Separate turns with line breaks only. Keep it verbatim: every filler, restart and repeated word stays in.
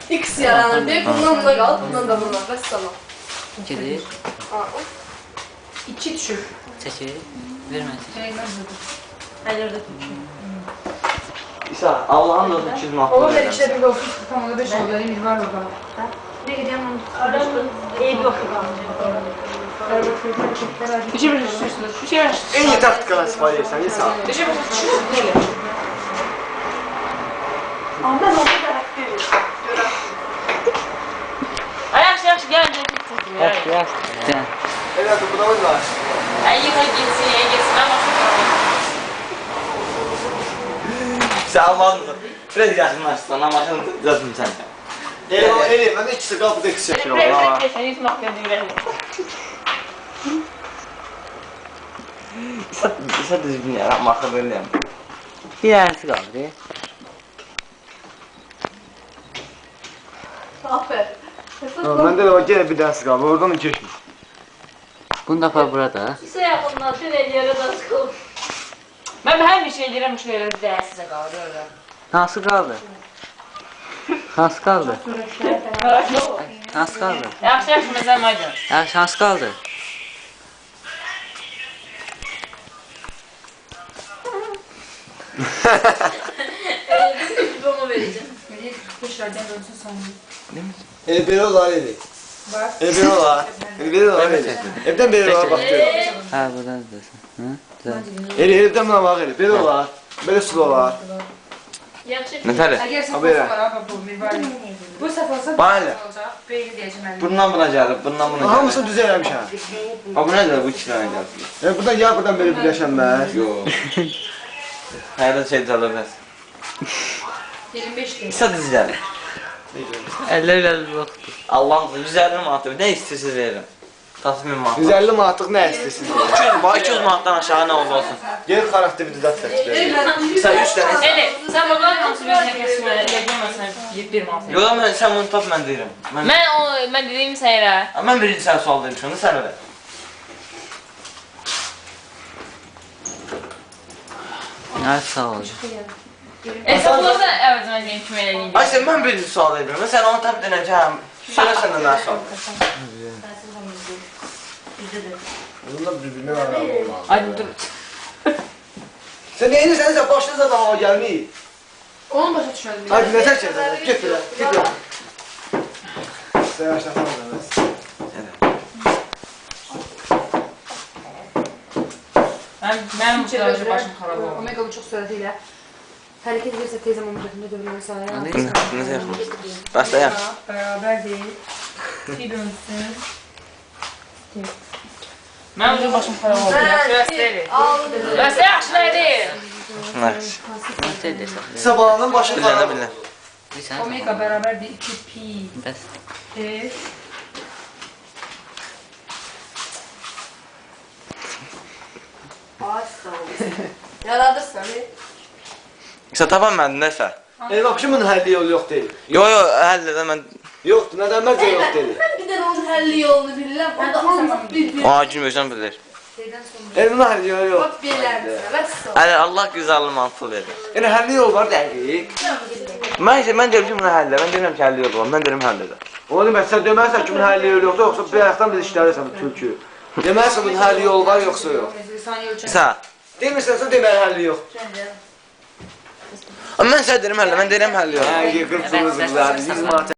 X yaranır deyib, bundan buna qalıb, bundan da buna. Bəs tamam.
Gedir.
İki düşür.
Çəkir. Verməsin.
Hələ orada tutuşur.
İsa, Allah'ın da iki yüz manat
Oğlum ben
verirəm.
işte bir dokuz, tam orada beş oldu, elim var orada.
Ne gideyim onu? Eyüp bakıyor.
Üçe bir düşürsünüz, üçe bir düşürsünüz.
En iyi taktikalar sipariş etsən, İsa.
Üçe bir düşürsünüz, böyle.
Ama ben onu da verir.
Ay yaxşı, yaxşı, gəl, gəl, gəl.
Yaxşı, yaxşı. Sən.
Elə topunamız var.
Ay yıxa getsin, ay getsin, mən başım.
İsa, Allah'ın da. Biraz yaxınlaşsan, amaşını düzəltdim sən. Elə, elə, mən də ikisi qapıda ikisi çəkir
Biraz
ola.
da keçən, yüz nöqtə deyirəm.
İsa, İsa düzgün yaram, axı verirəm.
Bir dənəsi qaldı.
Aferin.
Məndə də var, yenə bir dənəsi qaldı, oradan da keçmiş.
Bunu da apar burada.
İsə yaxından dün eləyərə də çıxılır.
Mən hər bir şey deyirəm, şu elə bir dəyəsizə qalır orada.
Hansı qaldı? Hansı qaldı? Hansı qaldı?
Yaxşı, yaxşı, məzəm aydın.
Yaxşı, hansı qaldı?
Ben onu vereceğim.
Dışarıdan dönsün sanırım.
Elə belə olar, elə.
Bak.
Elə belə olar. Elə belə olar, elə. Evdən belə olar, bax.
Hə, buradan dursun. Hı? Güzel.
Elə, evdən buna bax, elə. Belə olar. Belə sul olar.
Yaxşı.
Nətəli?
Eğer safhası
Haberi.
var abi bu mirvari. Bu safhası
Bana ne?
olacak. Böyle diyeceğim ben.
Bundan buna gəlib, bundan buna gəlib. Hamısını düz eləmişəm. Ha, bu nədir? Bu iki dənə gəlib. Yəni, buradan ya, buradan belə birləşənməz. Yox. Hayırlı şey çalırız.
yirmi beş lira.
İsa düz gəlir.
Əllər əllər yoxdur.
Allah'ın yüz əlli manatı, nə istəyirsiniz verirəm. Tasmin manat.
yüz əlli manatlıq nə istəyirsiniz?
iki yüz, bax iki yüz manatdan aşağı nə oldu olsun.
Gel xarakteri düzəltək.
İsa üç dənə.
Elə, sən babalar hansı bir nə kəsmə, elə bilməsən bir manat.
Yox, mən sən bunu tap, mən deyirəm. Mən,
Mən o, mən dediyim səyirə.
mən birinci sənə sual vermişəm, sən öyle.
Ay, sağ ol.
Hesablarda əvəzimə deyim kimi elə deyim.
Ay sən mən birinci sual vermirəm, mən sənə onu tap denəm ki, həm. Sonra səndən nə sual?
Bunlar bir-birinə aram olmalı.
Ay dur.
Sən neyini sən sən başına zaten hava gəlməyib.
Onu başa düşmədim.
Hadi nə çəkir sən? Get belə, get belə. Sən yaşlasana da bəs.
Mən mənim bu qədər başım xarab oldu.
Omega bu çok süratiyle. Hareket ederse teyzem omurgasında dövülüyor sahaya.
Necə yaxın? Başlayaq.
Beraber değil. Bir dönsün.
Mənim bu başım xarab oldu. Yaxşı deyil.
Aldı.
Yaxşı yaxşı deyil.
Yaxşı.
Nasıl edəsən?
Sabahının başı
Bilənə
xarab.
bilən.
Bir sən.
Omega beraber değil. iki pi.
Bəs.
T.
Ay sağ ol. Yaradırsan.
İsa tapa məndən nəsə?
El baxışın bunun həlli yolu yox deyil.
Yox, yox, həll edə mən...
Yoxdur, nədən məncə yox deyil.
Ben bir de onun həlli yolunu bilirəm. O da ancaq bir bir.
Aa, gülməyəcəm bilir.
El bunun həlli yolu yox.
Bak bilərsən. Bəs sağ ol.
Hələ Allah güzəlli mantığı verir.
Yəni həlli yol var dəqiq.
Mən isə, mən deyirəm ki, buna həllə. Mən deyirəm ki, həlli yolu var. Mən deyirəm həllə də.
Onu demək, sən deməlisən ki, bunun həlli yolu yoxdur, yoxsa bir ayaqdan biz işlərirsən bu tülkü. Deməlisən bunun həlli yolu var, yoxsa yox.
Saniye ölçen.
İsa,
Demirsən, deməli həlli yox.
mən sənə deyirəm həllə, mən deyirəm həllə yox.
Hə, qırpsınız qızlar, yüz manat